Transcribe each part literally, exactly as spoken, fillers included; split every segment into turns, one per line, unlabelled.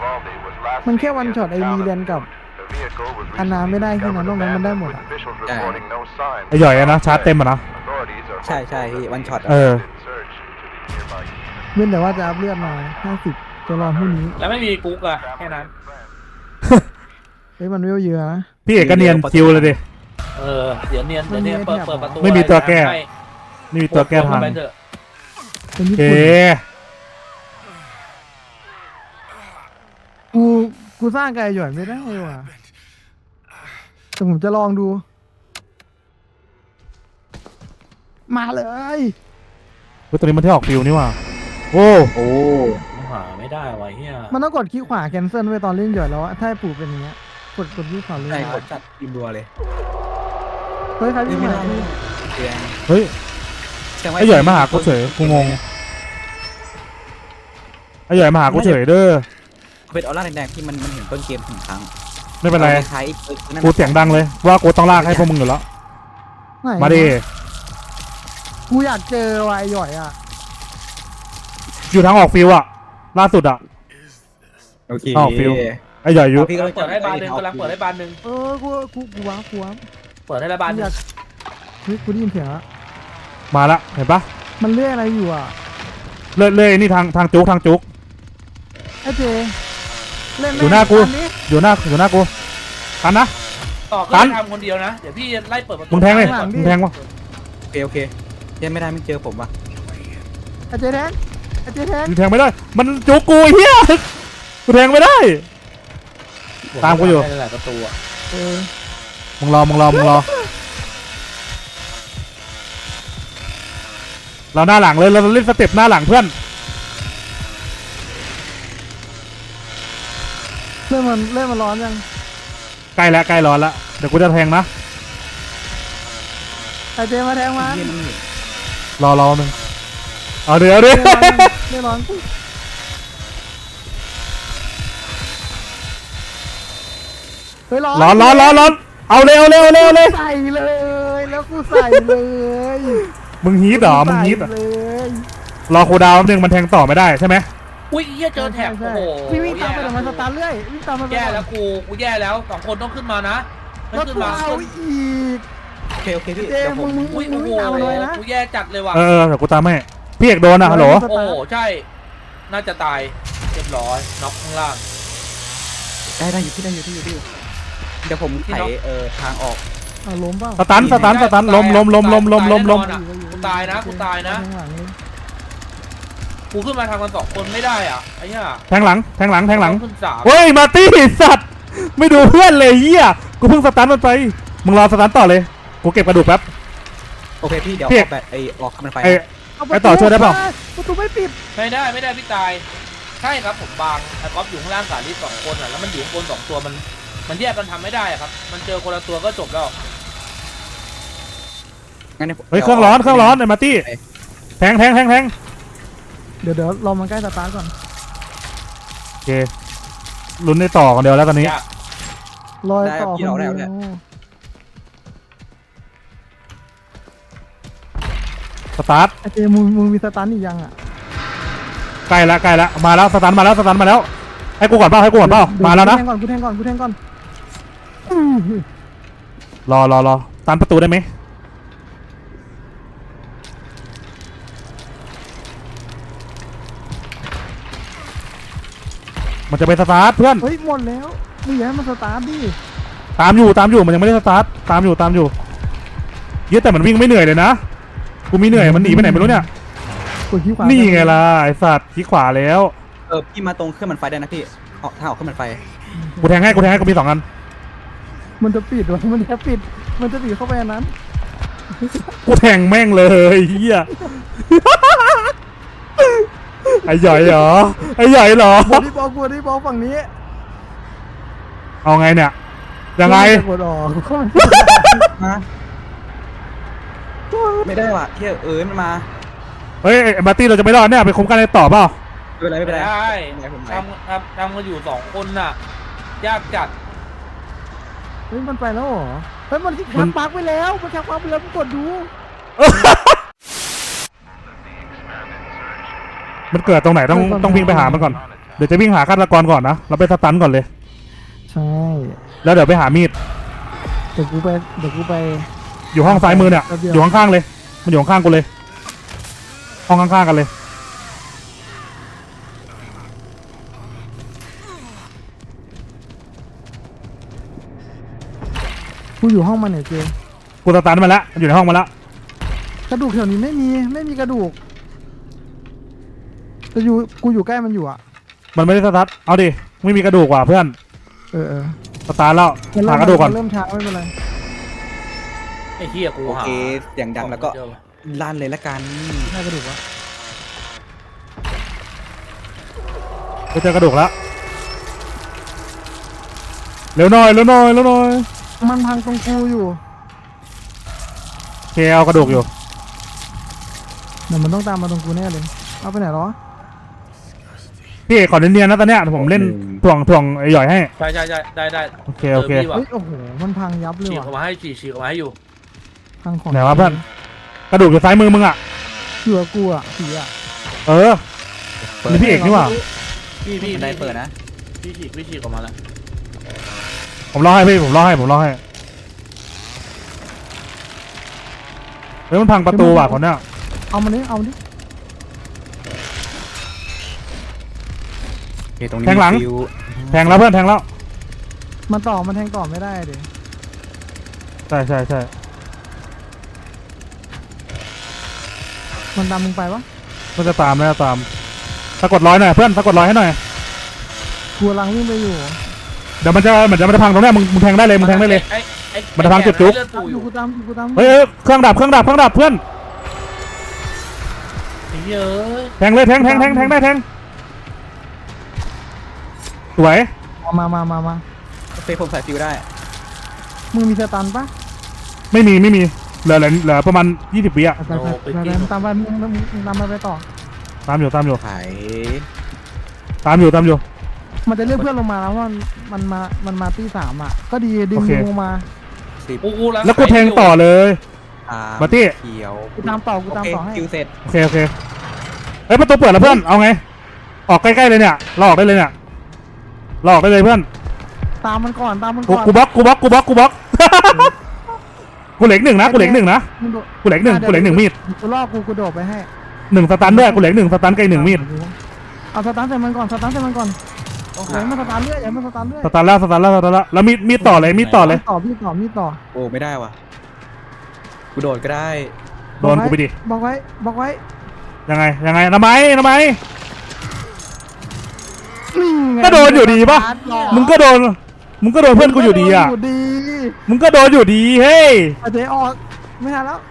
มันแค่วันช็อตไอวีเรียนกับอันนาไม่ได้แค่นั้นนอกนั้นมันได้หมดอ่ะ
ไอ้หย่อยอะนะชาร์จเต็มอะนะ
ใช่ใช่พี่วันช็อต
เออ
เว้นแต่ว่าจะอัพเลือดมาห้าสิบจะรอพรุ่งนี้
แล้วไม่มีกุ๊กอะแค่นั้น
เฮ้ยมันเวลเยอะนะ
พี่เอกก็เนียนคิวเลยดิ
เออเดี๋ยวเนียนเดี๋ยวเนียนเปิดเปิดประตู
ไม่มีตัวแก้
ให้
นี่มีตัวแก้ทาง
ไปเถอะ
เป็น
โอ
ญี่
เค
ปุ่นกูกูสร้างไก่หย่อนไม่ได้ว่ะแต่ผมจะลองดู มาเลย
เฮ้ยตัวนี้มันที่ออกฟิวนี่ว่ะโอ้
โอ้
หาไม่ได้วะเฮีย
มันต้องกดคลิกขวาแคนเซิลไว้ตอนเล่นหย่อนแล้วอะถ้าให้ปู่เป็นอย่างเงี้ยกดกดคลิกขวาเลย
ใช่กดจัดอินดัวเลย
เฮ้ยใครวิ่งมา
เตียง
เฮ้ยไอ้หย่อยมาหากูเฉยกูงงไอ้หย่อยมาหากูเฉยเด้อ
เป็นออร่าแดงๆที่มันมันเห็นต้นเกมถึงครั้ง
ไม่เป็นไร
คล้ายๆ
กูเสียงดังเลยว่ากูต้องลากให้พวกมึงอยู่แล้ว
ไหน
มาดิ
กูอยากเจอวายหย่อยอ่ะ
อยู่ทางออกฟิวอะล่าสุดอะ
โอเค
อ้าวฟิว ไอ้หย่อยอยู่
พี่ก็
เปิดให้บานหนึ่งกำลังเปิดให้บานหนึ่ง
เออกูกูกูว้ากูว้า
เปิดให้ละบานห
อ
นึ่
ยาง กเฮ้ยกูได้ยินเสียงละ
มาละเห็นปะ
มันเลื่อยอะไรอยู่อ่ะ
เลื่อยเลื่อยนี่ทางทางจุกทางจุก
ไอ้เจเล่น
อยู่หน้ากู
อันนี้
อยู่หน้าอยู่หน้ากูกันนะ
ต่อ
ตั
ขึ้
น
นทำคนเดียวนะเดี๋ยวพี่ไล่เปิดประตู
มึงแทงเลยมึงแทงวะ
โอเคโอเคยังไม่ได้ไม่เจอผมว่ะ
ไอ้เจแทงไอ้เจแทง
มึงแทงไม่ได้ มันจุกกูไอ้เฮียกูแทงไม่ได้ ตามกูอยู่
ได้หลายประตูอะ
เออ
มึงรอมึงรอมึงรอเราหน้าหลังเลยเราเล่นสเต็ปหน้าหลังเพื่อน
เล่นมันเล่นมันร้อนยัง
ใกล้แล้วใกล้ร้อนแล้วเดี๋ยวกูจะแทงนะ
ไอ้เจมาแทงมัน
เยี่ยมนี่
รอรอหนึ่งเอาเดี๋ยวดิ
เล่นร้อนยังเล่นร้อนเฮ้ยร้อน
ร้อนร้อนร้อนร้อนเอาเร็วเร็วเร็วเลย
ใส่เลยแล้วกูใส่เลย
มึงฮีทเหรอมึงฮีทเหรอ
ใส่เลย
รอคูลดาวน์แป๊บนึงมันแทงต่อไม่ได้ใช่ไหม
อุ้ยเฮียเจอแถบ
ใช่
โอ้โห
พี่วิ่งตามไป
แย่
เดี๋ยวมันสตาร์ทเรื่อยวิ่งตามมันไป
แย่แล้วกูกูแย่แล้วสองคนต้องขึ้นมานะไม่
แล้ว
ขึ้น
กู
มา
เอาอีก
โอเคโอเคพี่
เจ
เดี๋ยวผ
มึ
ม
งมึง
อุ้ย
มึ
โอ้
ง
โห
วิ่งตามมันไว้นะ
กูแย่จัดเลยว่ะ
เออเออเดี๋ยวกูตามให้พี่เอกโดนอ่ะฮัลโหล
โอ้โหใช่น่าจะตายเรียบร้อยน็อกข้างล่าง
ได้ได้อยู่ที่ได้อยู่ที่อยู่ที่อยู่เดี๋ยวผมไขเอ่อทางออก
เอาล้มเปล่า
สตันสตันสตันล้มล้มล้มล้มล้มล้มล้ม
กูตายนะกูตายนะ
ข้างหลังเลย
กูขึ้นมาทางกันสองคนไม่ได้อ่ะไอ้เหี้ย
แทงหลังแทงหลังแทงหลัง
ขึ้นสาม
เฮ้ยมาตี้สัตว์ไม่ดูเพื่อนเลยเฮียกูเพิ่งสตันมันไปมึงรอสตันต่อเลยกูเก็บกระดูกแป๊บ
โอเคพี่เดี๋ยว
พี่
ออกแบบไอออกมันไฟ
ไอ้
เอา
ไปต่อช่วยได้เปล่า
ประตูไม่ปิด
ไม่ได้ไม่ได้พี่ตายใช่ครับผมบางไอ้ก๊อฟอยู่ข้างล่างสาลิสสองคนอ่ะแล้วมันอยู่ข้างบนสองตัวมันมันแยกกันทำไม่ได้อะครับมันเจอคนละตัวก็จบแล้ว
งั้นดี๋ว
เฮ้ยเครื่องร้อนเครื่องร้อนไอ้มาตี้แทงแทงแทงแทง
เดี๋ยวเดี๋ยวรอมันใกล้สตาร์ทก่อน
โอเคลุ้นได้ต่อกันเดียวแล้วตอนนี้
ยาก
รอยต่อคนเดียว
สตาร์ท
ไอเจมึงมึงมีสตาร์ทอีกยังอ่ะ
ใกล้แล้วใกล้แล้วมาแล้วสตันมาแล้วสตันมาแล้วให้กูก่อนเปล่าให้กูก่อนเปล่ามาแล้วนะ
กูแทงก่อนกูแทงก่อนกูแทงก่อน
รอรอรอตันประตูได้ไหมมันจะไปสตาร์ทเพื่อน
เฮ้ยหมดแล้วมึงอย่าให้มันสตาร์ทดิ
ตามอยู่ตามอยู่มันยังไม่ได้สตาร์ทตามอยู่ตามอยู่เยอะแต่มันวิ่งไม่เหนื่อยเลยนะกูมีเหนื่อยมันหนีไปไหนไม่รู้เนี่ย
กดขี้ขวา
นี่ไงล่ะไอสัตว์ขี้ขวาแล้ว
เออพี่มาตรงเครื่องมันไฟได้นะพี่ออกทางออกเครื่องมันไฟ
กูแทงให้กูแทงให้กูมีสองอัน
มันจะปิดวะมันจะปิดมันจะปิดเข้าไปอันนั้น
กูแทงแม่งเลยเฮียไอหย่อยเหรอไอหย่อยเหรอบ
อดี้บอลบอดี้บอลฝั่งนี้
เอาไงเนี่ยยังไง
กดออก
ฮะไม่ได้ว่ะเที่ยเออมันมา
เฮ้ยไอ้มาร์ตี้เราจะไม่รอดเนี่ยไปคุ้มกันในต่อเปล่า
ไม่เป็นไรไม่เป็นไร
ได้
ไม่เป็นไรผมไหว
ทำทำทำกันอยู่สองคนน่ะยากจัด
เฮ้ยมันไปแล้วเหรอเฮ้ยมันชักปลั๊กไปแล้วมันชักปลั๊กไปแล้วมึงกดดู
มันเกิดตรงไหนต้องต้องวิ่งไปหามันก่อนเดี๋ยวจะวิ่งหาฆาตกรก่อนนะเราไปสตันก่อนเลย
ใช่
แล้วเดี๋ยวไปหามีด
เดี๋ยวกูไปเดี๋ยวกูไป
อยู่ห้องซ้ายมือเนี่ย
แป๊บเดียว
อยู่ข้างๆเลยมันอยู่ข้างๆกูเลยห้องข้างๆกันเลย
กูอยู่ห้องมันเนี่ยเจ
กูสตันมาแล้วอยู่ในห้องมาแล้ว
กระดูกแถวนี้ไม่มีไม่มีกระดูกแต่อยู่กูอยู่ใกล้มันอยู่อ่ะ
มันไม่ได้สตันเอาดิไม่มีกระดูกว่ะเพื่อน
เออเออ
สตาร์ทแล้ว
มันเริ่
หาม กระดูกก่อน
เริ่มช้าไม่เป็นไร
ไอ้เหี้ยกู
โอ
หา
เคเสียงดังแล้วก็ลั่นเลยละกัน
ได้กระดูกวะ
ไปเจอกระดูกแล้วเร็วหน่อยเร็วหน่อยเร็วหน่อย
มันพังตรงกูอยู่
โอเคเอากระดูกอยู่
เดี๋ยวมันต้องตามมาตรงกูแน่เลยเอาไปไหนหรอ
พี่เอกขอเนียนๆนะตอนเนี้ยผมเล่นถ่วงถ่วงไอ้หย่อยให้
ใช่ใช่ใช่ได้ได้
โอเคโอเค
พี่ว่ะ
เฮ้ยโอ้โหมันพังยับเลย
ฉีกออก
ว่ะ
มาให้ฉีกฉีกออกมาให้อยู่
พังของ
ไหนวะเพื่อนกระดูกอยู่ซ้ายมือมึงอ่ะ
เหลือกูอ่ะผีอ่ะ
เออนี่พี่เอกนี่หว่า
พี่พี่
บันไดเปิดนะ
พี่ฉีกพี่ฉีกออกมาแล้ว
ผมรอให้พี่ผมรอให้ผมรอให้เฮ้ยมันพังประตูว่ะคนเนี้ย
เอามันนี้เอามันนี้
โอเคตรงนี้
แทงหลัง
มีฟิว
แทงแล้วเพื่อนแทงแล้ว
มันต่อมันแทงต่อไม่ได้เดี๋ยว
ใช่ใช่ใช่
มันตามมึงไปวะ
มันจะตามไม่จะตามสะกดร้อยหน่อยเพื่อนสะกดร้อยให้หน่อย
กูกำลังวิ่งไปอยู่
เดี๋ยวมันจะเหมือนจะมันจะพังตรงเนี้ยมึงมึงแทงได้เลยมึงแทงได้เลย
ไอ้ไอ้
มันจะพังจุดจุ๊บ
เลือด
ตาม
ปู
อ
อยู่ ยู่
กูตามอยู่กูตาม
เฮ้ยเฮ้ยเครื่องดับเครื่องดับเครื่องดับเพื่อน
ไอ้เหี้ยเอ้ย
แทงเลยแทงแทงแทงแทงได้แทงสวย
มามามามา
โอเคผมใส่ฟิวได้
มึงมีสตันปะ
ไม่มีไม่มีเหลือเหลือเหลือประมาณยี่สิบวิอะ
ไปไปไปไปตามไปมึงมึงมึงตามไปไปต่อ
ตามอยู่ตามอยู่
ไข
ตามอยู่ตามอยู่
มันจะเรียกเพื่อนลงมาแล้วว่ามันมามันมาตีสามอ่ะก็ดีดึง
โอเค
ลงมา
สิบ
กูกู
แล้วกูแทงต่อเลย
สาม
มาร์ตี้
เขียว
กูตามต่อกู
โอ
ตาม
เค
ต่อให้
ฟิวเสร็จ
โอเคโอเคเฮ้ยประตูเปิดแล้วเพื่อนเอาไงออกใกล้ๆเลยเนี่ยเราออกได้เลยเนี่ยเราออกได้เลยเพื่อน
ตามมันก่อนตามมัน
กู
ก่อน
กูบล็อกกูบล็อกกูบล็อกกูบล็อก กูเหล็กหนึ่งนะกูเหล็กหนึ่งนะ
มึงโดด
กูเหล็กหนึ่งกูเหล็กหนึ่งมีด
กูล่อกูกูโดดไปให้
หนึ่งสตันด้วยกูเหล็กหนึ่งสตันไกลหนึ่งมีด
เอาสตันใส่มันก่อนสตันใส่มันก่อนอย่าให้มันสตันเรื่อยอย่าให้มันสตันเรื่อย
สตันแล้วสตันแล้วสตันแล้วแล้วมีดมีดต่อเลยมีดต่อเลย
ต่อพี่ต่อพี่ต่อ
โอ้ไม่ได้ว่ะกูโดดก็ได้
โดนกูไปดิ
บอกไว้บอกไว้
ยังไงยังไงทำไมทำไม
นี่ไง
ก็โดนอยู่ดีปะ มึงก็โดนมึงก็โดนเพื่อนกูอยู่ดีอ่ะ
ยู่ดี
มึงก็โดนอยู่ดีเฮ้ย
เอาเจ๊ออกไม่ทันแล้ว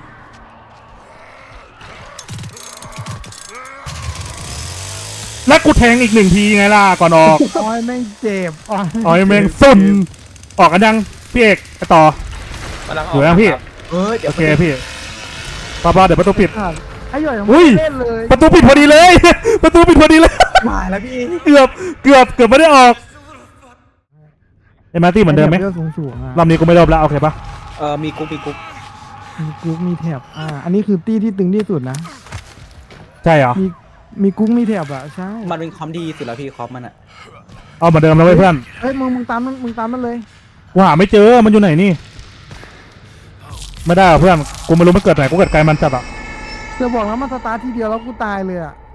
แล้วกูแทงอีกหนึ่งทีไงล่ะก่อนออก
อ้อยแม่งเจ็บอ้อย
อ๋อแมงซุนออกกันยังพี่เอกไปต่อก
ำลังอ
อ
อยู่ ก
ยังพี่
ครับ
เฮ้ยเดี๋ย
โอ
ว
เคพี่ป้าป้าเดี๋ยวประตูปิด
ไอ้หย่อย
อุ้ย
เล่นเลย
ประตูปิดพอดีเลย ประตูปิดพอดีเลย
มาแล้วพี่
เกือบเกือบเกือบไม่ได้ออกเอ็มอาร์ตี้เหมือนเดิมไหม
เลือดสูงสูงๆอ่ะ
รอบนี้กูไม่รอบแล้วโอเคปะ
เออมีกุ๊กมีกุ๊ก
มีกุ๊กมีแถบอ่าอันนี้คือตี้ที่ตึงที่สุดนะ
ใช่เหรอ
มีมีกุ๊กมีแถบอ่ะใช่
มันเป็นคอมดีสุดแล้วพี่คอมมันอะ
เอาเหมือนเดิมแล้วเว้ยเพื่อน
เฮ้ยมึงมึงตามมันมึงตามมันเลย
กูหาไม่เจอมันอยู่ไหนนี่ไม่ได้หรอเพื่อนกูไม่รู้มันเกิดไหนกูเกิดไกลมันจัดอ่ะ
จะบอกแล้วมันสตาร์ททีเดียวแล้วกูตายเลยอ่ะ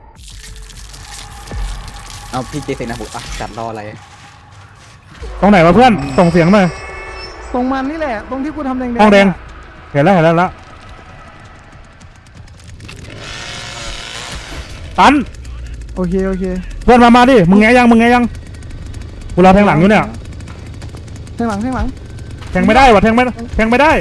เอาพี่เจเซนะผมอ่ะจัดรออะไร
ตรงไหนวะเพื่อนส่งเสียงหน่อย
ตรงมันนี่แหละ ตรงที่กูทำแดงๆ
ห้องแดง
อะ
เห็นแล้วเห็นแล้วแล้วตัน
โอเคโอเค
เพื่อนมามาดิมึงแงยังมึงแงยังกูรอแทงหลังอยู่เนี่ย
แทงหลังแทงหลัง
แทงไม่ได้วะแทงไม่แทงไม่ได้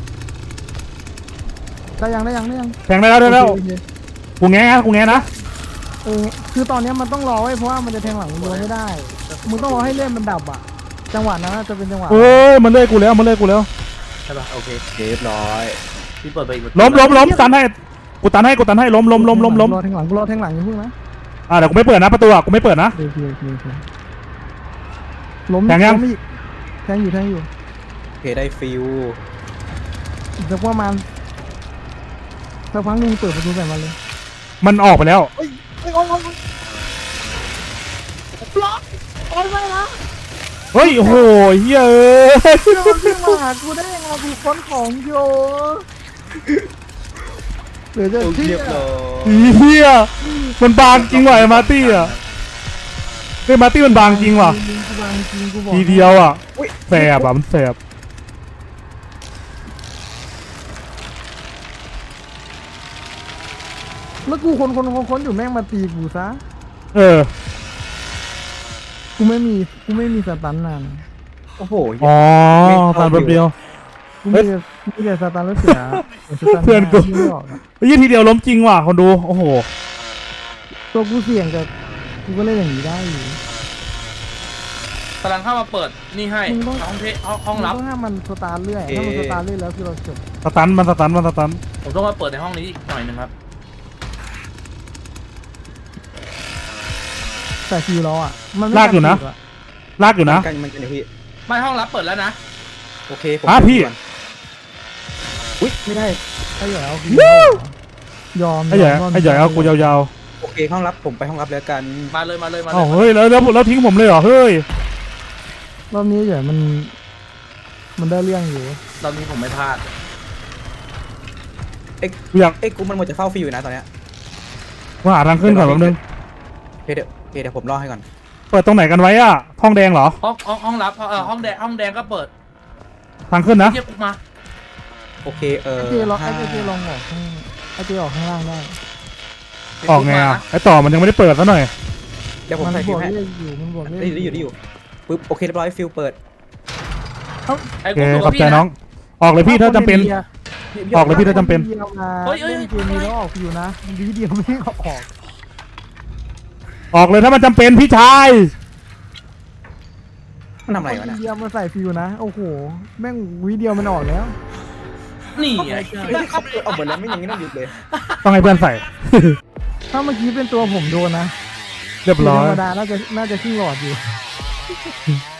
ได้ยังได้ยังได้ยัง
แทงได้แล้วได้แล้ว
โอเคโอเค
กูแงนะกูแงนะ
เออคือตอนเนี้ยมันต้องรอไว้เพราะว่ามันจะแทงหลังมึงไม่ได้มึงต้องรอให้เล่นมันดับอ่ะจังหวะนั้นน่าจะเป็นจังหวะ
เอ้ยมันเลื่อยกูแล้วมันเลื่อยกูแล้ว
ใช่ปะโอเค
เรียบร้อย
พี่เปิดไปอีก
ล้มล้มล้มตันให้กูตันให้กูตันให้ล้มล้มล้มล้มล้ม
รอแทงหลังกูรอแทงหลังอย่าเพิ่งนะ
อ่าเดี๋ยวกูไม่เปิดนะประตูอ่ะกูไม่เปิดนะ
โอเคโอเคโอเคล้ม
แทงยัง
ล้มอีกแทงอยู่แทงอยู่
โอเคได้ฟิว
อีกสักประมาณสักพักหนึงเปิดประตูใส่มันเลย
มันออกไปแล้ว
เฮ้ยเฮ้ยออกออกออกล็อกโอ้ยไม่นะ
เฮ้ยโอ้โหเฮ้ยเอ้ย
เดี๋ยวมันวิ่งมาหากูได้ยังไงกูค้นของอยู่เหลือจะ
โอ้
เที่
เรี
ย
ยบร้อย
เฮียมันบางจริงว่ะไอ้มาร์ตี้อ่ะไอ้มาร์ตี้มันบางจริงว่ะ
กูบางจริงกูบอก
ทีเดียวอ่ะแสบอ่ะมันแสบ
แล้วกูคนคนคนคนอยู่แม่งมาตีกูซะ
เออ
กูไม่มีกูไม่มีสตันนาน
โอ้โห
อ๋อตามแป๊บเดียว
กูมีแต่กูมีแต่สตันแล้วเสียสตั
เพื่อนกู
ที่ไม่ออกอะ
เฮ้ยทีเดียวล้มจริงว่ะคนดูโอ้โห
ตัวกูเสี่ยงแต่กูก็เล่นอย่างนี้ได้อยู่
กำลังเข้ามาเปิดนี่ให้
มึงต้อง
ห้องเทห้องห้องลับ
มึต้องให้มันสตาร์ทเรื่อยถ้ามันสตาร์ทเรื่อยแล้วคือเราจบ
สตันมันสตันมันสตัน
ผมต้องมาเปิดในห้องนี้อีกหน่อยหนึ่งครับ
แต่คิวเราอ่ะมันไม่
ลากอยู่นะ
ทั
ลากอยู่นะ
กันมันกันอยู่พี่
ไม่ห้องลับเปิดแล้วนะ
โอเคผม
อ่ะพี่
ก่อนอุ้ยไม่ได้
ไอ้ใหญ่เอาคิวเราเหรอยอม
ไอ้ใหญ่
ยม
ไอ้ใหญ่เอากูยาว
โอเคห้องรับผมไปห้องรับแล้วกัน
มาเลยมาเลยมา
ๆ
เล
อ้าวย เฮ้ยแล้วแล้วแล้วทิ้งผมเลยเหรอเฮ้ย
รอบนี้ใหญ่มัน มันได้เรื่องอยู่
ตอนนี้ผมไม่พลาด
กูอยาก
เอ้ยกูมันหมดจะเฝ้าฟรีอยู่นะตอนเนี้ย
กูหาทางขึ้นก่อนแป๊บนึง
โอเคเดี๋ยวโอเคเดี๋ยวผมรอให้ก่อน
เปิดตรงไหนกันไว้อ่ะห้องแดงเหรอ
ห้องห้องห้องลับเออห้องแดงห้องแดงก็เปิด
ทางขึ้นนะ
เทียบกูมา
โอเคเออ
ไอ้เจลองไอ้
ห้า
เจลองออกข้างไอ้เจออกข้างล่างได้
ออกไงอ่ะไอ้ต่อมันยังไม่ได้เปิดซะหน่อย
เดี๋ยวผม
มัน
ใส่
บ
ฟิ
ว
ว
ก
ให้
เลขอยู่มันบวกเลข
ได้อยู่ได้อยู่ได้อยู่ปึ๊บโอเคเรียบร้อยฟิวเปิด
ไอ้
โอเค
กูดู
ขอบใจ
พี่
น้อง ออกเลยพี่ถ้าจำเป็น ออกเลยพี่ถ้าจำเป็น
เดียวมา
เฮ้ยเฮ้ย
เล่นเกมนี้แล้วออกอยู่นะวีเดียวไม่ออก
ออกเลยถ้ามันจำเป็นพี่ชาย
มันทำอะไรวะ
วี
เนี่ย
เดียวมาใส่ฟิวนะโอ้โหแม่งวีเดียวมันออกแล้ว
นี่ไง
เฮ้ยครับเอาหมดแล้วไม่อย่างนี้ต้องหยุดเลย
ต้องให้เพื่อนใส่
ถ้าเมื่อกี้เป็นตัวผมโดนนะ
เรียบร้อย
ธรรมดาน่าจะน่าจะขึ้นหลอดอยู่